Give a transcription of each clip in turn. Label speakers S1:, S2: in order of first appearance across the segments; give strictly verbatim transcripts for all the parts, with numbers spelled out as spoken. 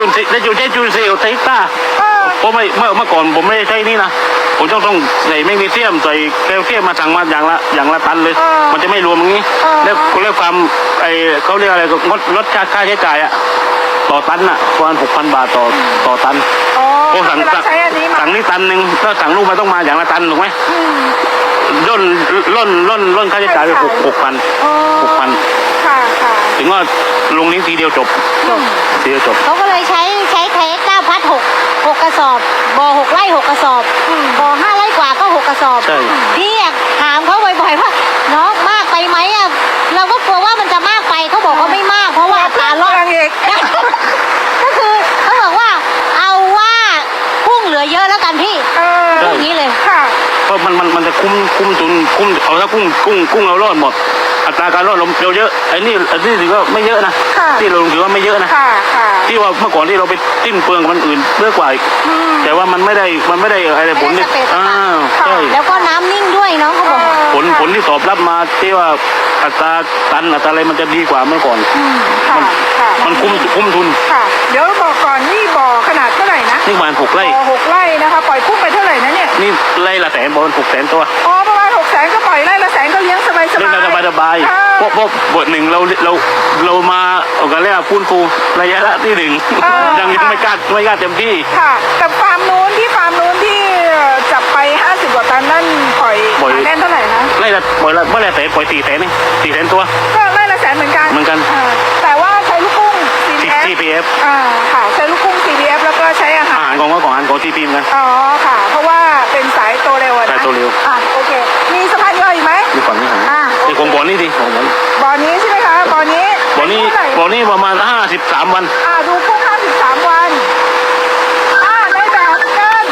S1: ได้จุดได้จุดเซลไทต้าเพราะไม่เมื่อเมื่อก่อนผมไม่ได้ใช้นี่นะผมต้องต้องใส่แมกนีเซียมใส่แคลเซียมมาสั่งมาอย่างละอย่างละตันเลยมันจะไม่รวมอย่างนี้แล้วเรียกความไอเขาเรียกอะไรก็ลดลดค่าใช้จ่ายอะต่อตันอะประมาณหกพันบาทต่อต่อตันโอ้สั่งสั่งนี่ตันหนึ่งถ้าสั่งลูกมาต้องมาอย่างละตันถูกไหมล่นล่นล่นล่นค่าใช้จ่ายไปหกหกพันหกพันถึงว่าลงนี้ทีเดียวจบทีเดียวจบ
S2: เขาก็เลยใช้ใช้ไทยเก้าพัดหกหกกระสอบบ่อหกไร่หกกระสอบบ่อห้าไร่กว่าก็หกกระสอบพี่อยากถามเขาบ่อยๆว่าน้องมากไปไหมอ่ะเราก็กลัวว่ามันจะมากไปเขาบอกว่าไม่มากเพราะว่าตาลดก็คือเขาบอกว่าเอาว่ากุ้งเหลือเยอะแล้วกันพี่พวกนี้เลย
S1: เพราะมันมันมันจะคุ้มคุ้มทุนคุ้มเอาถ้ากุ้งกุ้งกุ้งเรารอดหมดอัตราการรอดเราเยอะไอ้นี่อันนี้ถือว่าไม่เยอะนะที่เราถือว่าไม่เยอะนะที่ว่าเมื่อก่อนที่เราไปติ้นเปลืองมันอื่นเยอะกว่าแต่ว่ามันไม่ได้มันไม่ได้อะไรผลเนี่ยอ่าใช่
S2: แล้วก็น้ำนิ่งด้วยน้องเขาบอก
S1: ผลผลที่ตอบรับมาที่ว่าอัตราตันอัตราอะไรมันจะดีกว่าเมื่อก่อนมันมันคุ้มคุ้มทุน
S3: เดี๋ยวบอกก่อนนี่บ่อขนาดเท่าไหร่นะ
S1: นี่ประมาณหกไร่
S3: หกไร่นะคะปล่อยกุ้งไปเท่าไหร่นะเนี่ย
S1: นี่ไร่ละแสนบอลหกแสนตัว
S3: อ๋อประมาณหกแสนก็ปล่อยไร่ละแสนก็เลี้ยงสบายสบาย
S1: เลี้ยงสบายสบายเพราะเพราะบทหนึ่งเราเราเรามาเอากันเรียกฟื้นฟูระยะละที่หนึ่งยังยังไม่กล้าไม่กล้าเต็มที่
S3: ค่ะแต่ฟาร์มนู้นที่ฟาร์มนู้นที่จับไปห้าสิบกว่าตันนั่นปล่อยแน่นเท่าไหร่นะ
S1: ไร่ละปล่อยละเมื่อไรแสนปล่อยสี่แสนนี่สี่แสนตัว
S3: ก็ไร่ละแสนเหมือนกัน
S1: เหมือนกัน
S3: แต่ว่าใช้ลูกกุ้ง
S1: ซี พี เอฟ
S3: อ่าค่ะใช้ลูกกุ้ง ซี พี เอฟ แล้วก็ใช้อาหาร
S1: อาหารของว่าของอาหารของ ซี พี เอ็ม กัน
S3: อ๋อค่ะเพราะว่าเป็นสายโตเร็วนะ
S1: สายโตเร็ว
S3: อ่ะโอเคมีสะพานย่อยอีกไหม
S1: มีฝั่งนี้ของนี่ของบ่อนี้ดิของบ่อนี้
S3: บ่อนี้ใช่ไหมคะบ่อนี้
S1: บ่อนี้บ่อนี้ประมาณห้าสิบสามวัน
S3: อ่าดูกุ้งห้าสิบสามวันอ่าในแบบกัน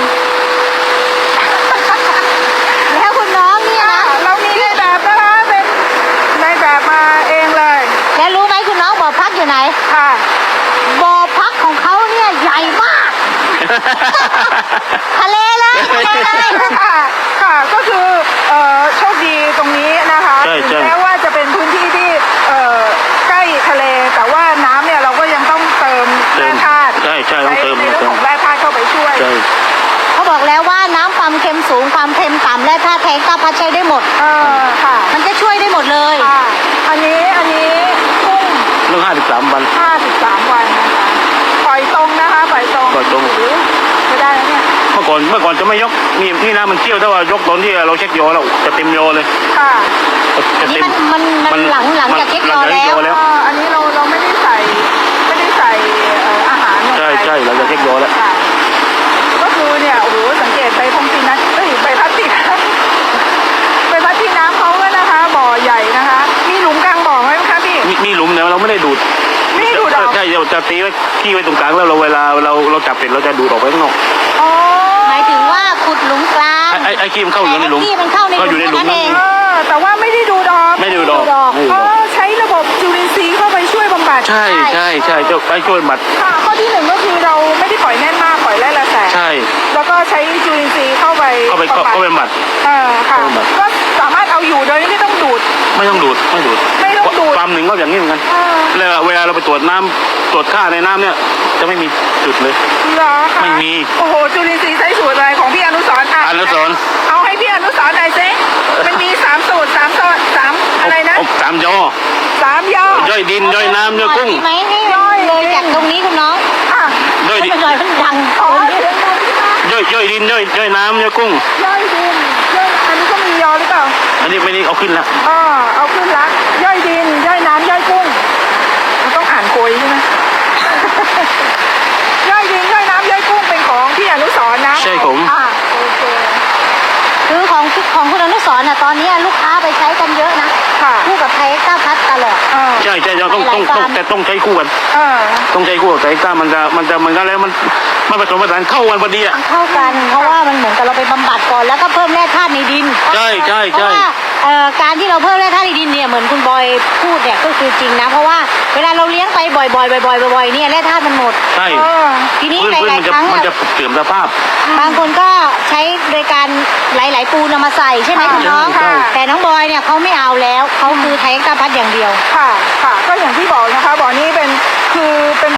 S2: แล้วคุณน้องเนี่ยนะ
S3: เรามีในแบบนะคะเป็นในแบบมาเองเลย
S2: แล้วรู้ไหมคุณน้องบ่อพักอยู่ไหน
S3: ค่ะ
S2: บ่อพักของเขาเนี่ยใหญ่มากทะเลเลย
S3: ค่ะค่ะก็คือเอ่อโชคดีตรงนี้นะคะแม้ว่าจะเป็นพื้นที่ที่เอ่อใกล้ทะเลแต่ว่าน้ำเนี่ยเราก็ยังต้องเติมแร่ธาตุ
S1: ใช่ใช่ต้องเติม
S3: ในเรื่องของแร่ธาตุเข้าไปช่วย
S2: เขาบอกแล้วว่าน้ำความเค็มสูงความเค็มต่ำแร่ธาตุแทงก้าพัดใช้ได้หมด
S3: เออค่ะ
S2: มันจะช่วยได้หมดเลย
S3: ค่ะอันนี้อันนี้กุ้ง
S1: เรื่องห้าสิบสามวัน
S3: ห้าสิบสามวันนะคะปล่อยตรงนะคะปล่อยตรง
S1: ปล่อยตรง
S3: ไม่ได้แล้วเนี่ย
S1: เมื่อก่อนเมื่อก่อนจะไม่ยกนี่นี่นะมันเชี่ยวถ้าว่ายกตอนที่เราเช็คยอแล้วจะเต็มยอเลย
S3: ค่ะ
S2: อันนี้มันมันหลังหลังจากเช็คยอแล้ว
S3: อันนี้เราเราไม่ได้ใส่ไม่ได้ใส่อาหารลงไป
S1: ใช่ใช่เราจะเช็คยอแล้ว
S3: ก็คือเนี่ยโอ้โหสังเกตใบพงตีนัทเอ้ยใบพัดตีใบพัดตีน้ำเขาเลยนะคะบ่อใหญ่นะคะมีหลุมกลางบ่อไหมคะพี่
S1: มีหลุมแต่เราไม่ได้ดูด
S3: ไม่ได้ดูดออก
S1: ใช่เราจะตีไว้ขี้ไว้ตรงกลางแล้วเราเวลาเราเราจับเสร็จเราจะดูดออกไปข้างนอก
S3: อ๋อ
S2: หมายถึงว่าขุดหลุมกลาง
S1: ไอ้ไอ้ขี้มันเข้าอยู่ในหลุม
S2: ขี้มันเข้าในหลุมนั่นเอง
S3: แต่ว่าไม่ได้ดูดอก
S1: ไม่ดูดอก
S3: อ๋อใช้ระบบจุลินทรีย์เข้าไปช่วยบำบัด
S1: ใช่ใช่ใช่จะไปช่วยบำบัด
S3: ค่ะข้อที่หนึ่งก็คือเราไม่ได้ปล่อยแน่นมากปล่อยไร่ละแสน
S1: ใช่
S3: แล้วก็ใช้จุลินทรีย์เข้าไป
S1: เข้าไปเข้าไปบำบัด
S3: เออค่ะก็สามารถเอาอยู่โดยไม่ต้องดูด
S1: ไม่ต้องดูดไม่ดูด
S3: ไม่ต้องดูด
S1: ฟาร์มหนึ่งก็อย่างนี้เหมือนกันแล้วเวลาเราไปตรวจน้ำตรวจค่าในน้ำเนี่ยจะไม่มีจุดเลย
S3: เหรอคะ
S1: ไม่มี
S3: โอ้โหจุลินทรีย์ใช้สูตรอะไรของพี่อนุสรณ์
S1: อนุสรณ์
S3: เอาให้พี่อนุสรณ์หน่อยสิมันมีสามสูตรสามสูตรสามอะไรนะ
S1: สามย่อ
S3: สามย่
S1: อย่อยดินย่อยน้ำย่อยกุ้ง
S2: ไหมให้ย่อยเลยจากตรงนี้คุณน้อง
S1: ย่อยดิน
S2: ย่อยมันดัง
S1: ย่อยย่อยดินย่อยย่อยน้ำย่อยกุ้ง
S3: ย่อยดินย่อยอันนี้ก็มียอหรือเปล่า
S1: อันนี้ไม่ได้เอาขึ้นละ
S3: อ๋อเอาขึ้นละย่อยดินย่อยน้ำย่อยกุ้งมันต้องอ่านโกยใช่ไหมย่อยดินย่อยน้ำย่อยกุ้งเป็นของพี่อนุสรณ์นะ
S1: ใช่ผม
S3: อ่าโอเค
S2: คือของของคุณอนุสรณ์น่ะตอนนี้ลูกค้าไปใช้กันเยอะนะคู่กับไทยก้าพัดตลอด
S1: ใช่ใช่ต้องต้องต้องแต่ต้องใช้คู่กันต้องใช้คู่กับไทยก้ามันจะมันจะมันก็แล้วมันมันผสมผสานเข้ากันพอดีอ่ะ
S2: เข้ากันเพราะว่ามันเหมือนกับเราไปบำบัดก่อนแล้วก็เพิ่มแร่ธาตุในดิน
S1: ใช่ใช่ใช่
S2: การที่เราเพิ่มแร่ธาตุในดินเนี่ยเหมือนคุณบอยพูดเนี่ยก็คือจริงนะเพราะว่าเวลาเราเลี้ยงไปบ่อยๆบ่อยๆบ่อยๆเนี่ยแร่ธาตุมันหมด
S1: ใช่
S2: ทีนี้หลายๆครั้ง
S1: มันจะเสื่อมสภาพ
S2: บางคนก็ใช้โดยการหลายๆปูนมาใส่ใช่ไหมคุณน้องแต่น้องบอยเนี่ยเขาไม่เอาแล้วเขาคือไทยก้าพัดอย่างเดียว
S3: ค่ะค่ะก็อย่างที่บอกนะคะบ่อนี้เป็นคือเป็น